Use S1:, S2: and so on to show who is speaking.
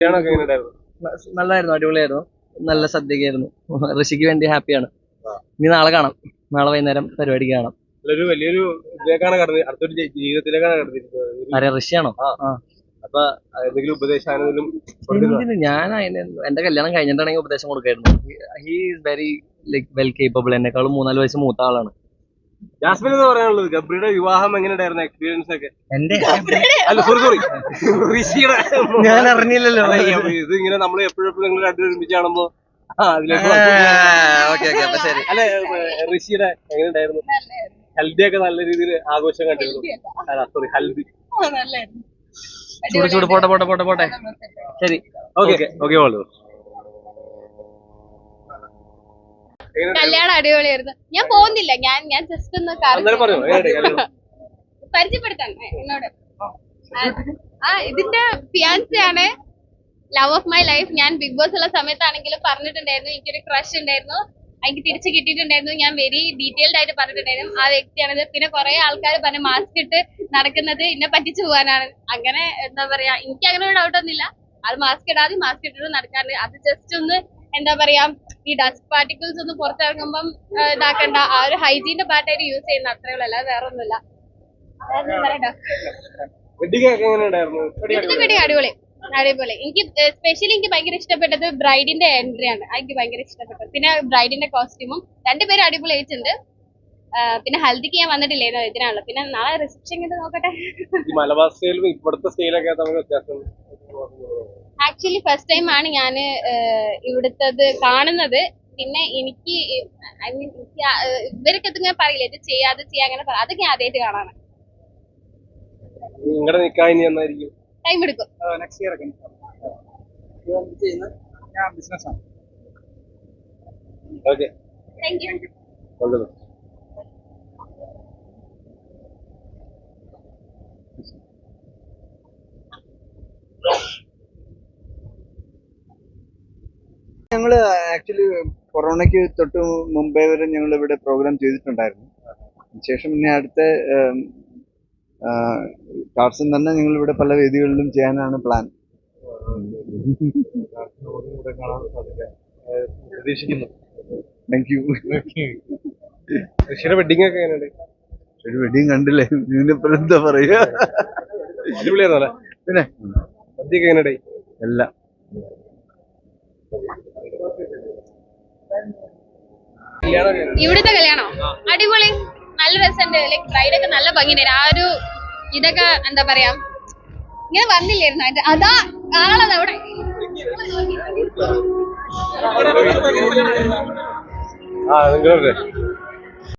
S1: നല്ലായിരുന്നു, അടിപൊളിയായിരുന്നു. നല്ല സദ്യയായിരുന്നു. ഋഷിക്ക് വേണ്ടി ഹാപ്പിയാണ്. ഇനി നാളെ കാണാം. നാളെ വൈകുന്നേരം പരിപാടിക്ക് കാണാം.
S2: വലിയൊരു അടുത്തൊരു ജീവിതത്തിലേക്കാണ് കടന്നിരിക്കുന്നത്.
S1: ആരെ, ഋഷിയാണോ?
S2: അപ്പൊ എന്തെങ്കിലും ഉപദേശാണെങ്കിലും
S1: ഞാൻ എന്റെ കല്യാണം കഴിഞ്ഞിട്ടാണെങ്കിൽ ഉപദേശം കൊടുക്കായിരുന്നു. He is very like well capable. എന്നെക്കാളും 3-4 വയസ്സ് മൂത്ത ആളാണ്.
S2: ജാസ്മിൻ എന്ന് പറയാനുള്ളത് ഗബ്രിയുടെ വിവാഹം എങ്ങനെയായിരുന്നു എക്സ്പീരിയൻസ് ഒക്കെ?
S1: എന്റെ
S2: അല്ല സോറി ഋഷിയുടെ
S1: ഞാൻ അറിഞ്ഞില്ലല്ലോ.
S2: ഇത് ഇങ്ങനെ നമ്മൾ എപ്പോഴും നിങ്ങൾ രണ്ടുപേരും ഒരുമിച്ച് കാണുമ്പോ അതിലേക്ക് അല്ലെ ഋഷിയുടെ എങ്ങനെയുണ്ടായിരുന്നു? ഹൽദി ഒക്കെ നല്ല രീതിയിൽ ആഘോഷം കണ്ടിരുന്നു. സോറി ഹൽദി
S1: ചൂട് പോട്ടെ ശരി.
S2: ഓക്കെ
S3: കല്യാണം അടിപൊളിയായിരുന്നു. ഞാൻ പോകുന്നില്ല, ഞാൻ ജസ്റ്റ് ഒന്ന് പരിചയപ്പെടുത്താൻ എന്നോട്. ഇതിന്റെ ഫിയാൻസി ആണ്, ലവ് ഓഫ് മൈ ലൈഫ്. ഞാൻ ബിഗ് ബോസ് ഉള്ള സമയത്താണെങ്കിലും പറഞ്ഞിട്ടുണ്ടായിരുന്നു എനിക്കൊരു ക്രഷ് ഉണ്ടായിരുന്നു, എനിക്ക് തിരിച്ചു കിട്ടിയിട്ടുണ്ടായിരുന്നു. ഞാൻ വെരി ഡീറ്റെയിൽഡ് ആയിട്ട് പറഞ്ഞിട്ടുണ്ടായിരുന്നു ആ വ്യക്തിയാണിത്. പിന്നെ കുറെ ആൾക്കാർ പറഞ്ഞു മാസ്ക് ഇട്ട് നടക്കുന്നത് എന്നെ പറ്റിച്ചു പോകാനാണ്. അങ്ങനെ എന്താ പറയാ, എനിക്ക് അങ്ങനെ ഒരു ഡൗട്ടൊന്നുമില്ല. അത് മാസ്ക് ഇടാതെ മാസ്ക് ഇട്ടിട്ട് നടക്കാറുണ്ട്. അത് ജസ്റ്റ് ഒന്ന് എന്താ പറയാ, ഈ ഡസ്റ്റ് പാർട്ടിക്കിൾസ് ഒന്ന് പുറത്തിറങ്ങുമ്പം ഇതാക്കണ്ട, ആ ഒരു ഹൈജീന്റെ പാർട്ടായിട്ട് യൂസ് ചെയ്യുന്ന അത്രേ ഉള്ളൂ, അല്ലാതെ വേറെ ഒന്നുമില്ല. അടിപൊളി. എനിക്ക് സ്പെഷ്യലി എനിക്ക് ഭയങ്കര ഇഷ്ടപ്പെട്ടത് ബ്രൈഡിന്റെ എൻട്രി ആണ്. എനിക്ക് ഭയങ്കര ഇഷ്ടപ്പെട്ടു. പിന്നെ ബ്രൈഡിന്റെ കോസ്റ്റ്യൂമും രണ്ടുപേരും അടിപൊളിയായിട്ടുണ്ട്. പിന്നെ ഹൽദിക്ക് ഞാൻ വന്നിട്ടില്ലായിരുന്നു, ഇതിനാണല്ലോ. പിന്നെ നാളെ റിസപ്ഷൻ നോക്കട്ടെ. ആക്ച്വലി ഫസ്റ്റ് ടൈം ആണ് ഞാൻ ഇവിടുത്തത് കാണുന്നത്. പിന്നെ എനിക്ക് ഇവരൊക്കെ ഇങ്ങനെ പറയില്ല, ഇത് ചെയ്യാതെ ചെയ്യാ, അങ്ങനെ അതൊക്കെ ഞാൻ ആദ്യമായിട്ട് കാണാണ്. ടൈം എടുക്കും. Thank you.
S4: ഞങ്ങള് ആക്ച്വലി കൊറോണയ്ക്ക് തൊട്ട് മുമ്പേ വരെ ഞങ്ങൾ ഇവിടെ പ്രോഗ്രാം ചെയ്തിട്ടുണ്ടായിരുന്നു. ശേഷം പിന്നെ അടുത്ത ടാർസൻ തന്നെ ഞങ്ങൾ ഇവിടെ പല വേദികളിലും ചെയ്യാനാണ് പ്ലാൻ. Thank you.
S2: വെഡിങ് ഒക്കെ എങ്ങനെയുണ്ട്?
S4: ഒരു വെഡിങ് കണ്ടില്ലേ, ഇതിനിപ്പോൾ എന്താ പറയുക. പിന്നെ എല്ലാം
S3: ഇവിടുത്തെ കല്യാണോ അടിപൊളി, നല്ല രസമുണ്ട്. ലൈക് ബ്രൈഡൊക്കെ നല്ല ഭംഗിയുണ്ട്. ആ ഒരു ഇതൊക്കെ എന്താ പറയാ, ഇങ്ങനെ വന്നില്ലായിരുന്നു അതിന്റെ അതാ ആളത് അവിടെ.
S2: നിങ്ങളുടെ